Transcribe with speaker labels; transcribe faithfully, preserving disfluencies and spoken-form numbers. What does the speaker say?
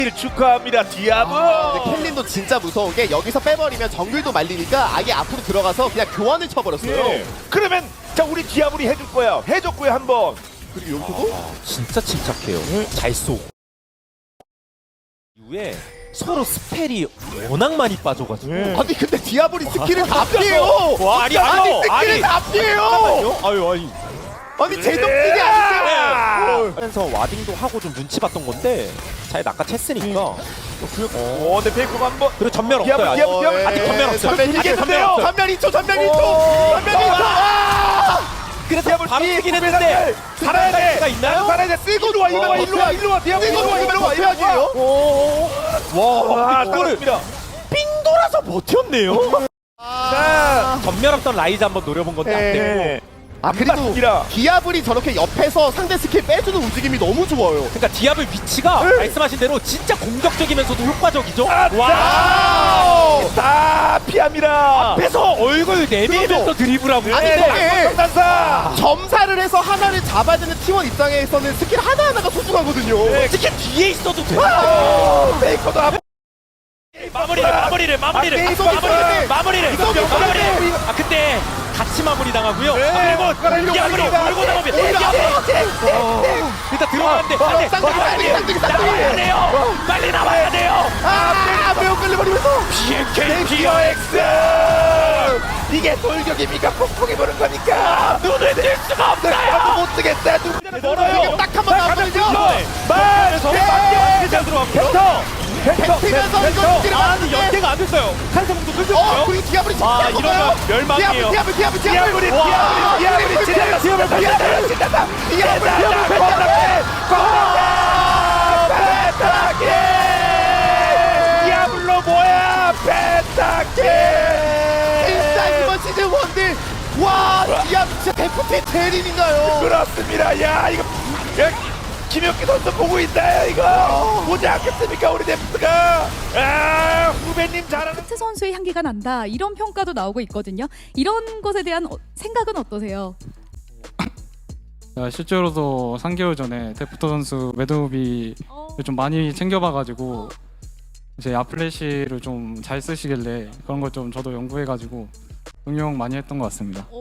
Speaker 1: 축하합니다 디아브.
Speaker 2: 아, 근데 켈린도 진짜 무서운 게 여기서 빼버리면 정글도 말리니까 아예 앞으로 들어가서 그냥 교환을 쳐버렸어요.
Speaker 1: 예. 그러면 자 우리 디아블이 해줄 거야. 해줬고요 한번.
Speaker 2: 그리고 여기서도
Speaker 3: 진짜 침착해요. 잘 쏘고. 이후에 서로 스펠이 워낙 많이 빠져가지고.
Speaker 1: 네.
Speaker 2: 아니 근데 디아블이 스킬을 다 피해요.
Speaker 3: 와, 아니,
Speaker 2: 아니
Speaker 3: 아니,
Speaker 2: 스킬을
Speaker 3: 아니.
Speaker 2: 다 피해요.
Speaker 3: 아유, 아니.
Speaker 2: 아니 제정신이 아니세요.
Speaker 3: 하면서 와딩도 하고 좀 눈치 봤던 건데 잘 낚아챘으니까.
Speaker 1: 어, 근데 페이커가 한번.
Speaker 3: 그리고 전멸
Speaker 1: 디아블,
Speaker 3: 없어요.
Speaker 1: 디아블, 디아블.
Speaker 3: 아직 전멸 없어요.
Speaker 2: 전멸
Speaker 3: 아직
Speaker 2: 이게
Speaker 3: 전멸 없어요.
Speaker 2: 전멸 이 초, 전멸 이 초,
Speaker 1: 오.
Speaker 2: 전멸 이 초. 아!
Speaker 3: 그래서 바로 뛰긴 했는데
Speaker 1: 살아야 돼.
Speaker 3: 가 있나요?
Speaker 1: 살아야 돼. 쓰고 일로 와, 일로 와, 일로 와, 일로 와. 디아블 일로 와, 일로 와, 일로 와. 와,
Speaker 3: 이거를
Speaker 1: 그렇습니다.
Speaker 3: 삥 돌아서 버텼네요.
Speaker 1: 자,
Speaker 3: 전멸 없던 라이즈 한번 노려본 건데 안 되고.
Speaker 1: 네.
Speaker 2: 아 그리고
Speaker 1: 맞습니다.
Speaker 2: 디아블이 저렇게 옆에서 상대 스킬 빼주는 움직임이 너무 좋아요.
Speaker 3: 그러니까 디아블 위치가
Speaker 1: 네.
Speaker 3: 말씀하신 대로 진짜 공격적이면서도 효과적이죠.
Speaker 1: 아,
Speaker 2: 와우!
Speaker 1: 다 피합니다.
Speaker 3: 앞에서 얼굴 내밀면서 드리블하고.
Speaker 2: 아니,
Speaker 1: 네,
Speaker 2: 근데
Speaker 1: 낙선단사.
Speaker 2: 점사를 해서 하나를 잡아야 되는 팀원 입장에서는 스킬 하나하나가 소중하거든요.
Speaker 1: 네.
Speaker 3: 특히 뒤에 있어도 돼.
Speaker 1: 아, 페이커도 한
Speaker 3: 마무리를 마무리를 마무리를
Speaker 1: 아,
Speaker 2: 이거
Speaker 3: 마무리를
Speaker 2: 이거
Speaker 3: 마무리를
Speaker 1: 이거
Speaker 3: 마무리를.
Speaker 1: 이거
Speaker 3: 아 근데 같이 마무리 당하고요.
Speaker 1: 네.
Speaker 3: 그리고 디아블이
Speaker 1: 이거
Speaker 3: 몰고 나오면
Speaker 1: 오히려
Speaker 3: 디아블 일단 들어가는데 안돼.
Speaker 2: 쌍둥이, 쌍둥이, 쌍둥이, 쌍둥이.
Speaker 3: 나와야 돼요. 빨리 나와야 돼요.
Speaker 2: 아, 매우 끌려버리면서
Speaker 1: 비엔케이 피어엑스. 이게 돌격입니까? 폭풍이 보는 거니까.
Speaker 3: 눈을 뜰 수가 없어요.
Speaker 1: 아무 못 뜨겠다. 누구 멀어요.
Speaker 2: 딱 한 번 나오면요.
Speaker 1: 말. 저
Speaker 2: 네.
Speaker 1: 밖에 그냥 들어가. 펜터. 펜터.
Speaker 2: 뱉히면서 이거 스킬을
Speaker 1: 아,
Speaker 2: 맞는데.
Speaker 1: 연계가 안 됐어요. 한성도 끌고
Speaker 2: 어, 그리고 디아블이 진짜
Speaker 1: 아,
Speaker 2: 커요.
Speaker 1: 이러면 멸망이에요.
Speaker 2: 디아블, 디아블, 디아블,
Speaker 1: 디아블이
Speaker 2: 디아블. 와,
Speaker 1: 디아블이 디아블이 진다. 디아블이 진다. 진다.
Speaker 2: 디아블,
Speaker 1: 디아블
Speaker 2: 디아블,
Speaker 1: 코너에 코너에 펜타키. 디아블로 뭐야? 펜타키.
Speaker 2: 진짜 이번 시즌 원딜. 와, 디아블 진짜 데프트 대림인가요?
Speaker 1: 그렇습니다. 야 이거 야, 김혁기 선수 보고 있나요? 이거 보지 않겠습니까? 우리 데프트가. 아 후배님 잘하는.
Speaker 4: 트 선수의 향기가 난다 이런 평가도 나오고 있거든요. 이런 것에 대한 어, 생각은 어떠세요?
Speaker 5: 야, 실제로도 삼 개월 전에 데프터 선수 매드무비를
Speaker 4: 어,
Speaker 5: 좀 많이 챙겨봐가지고 이제 아플래시를 좀 잘 쓰시길래 그런 걸 좀 저도 연구해가지고 응용 많이 했던 것 같습니다.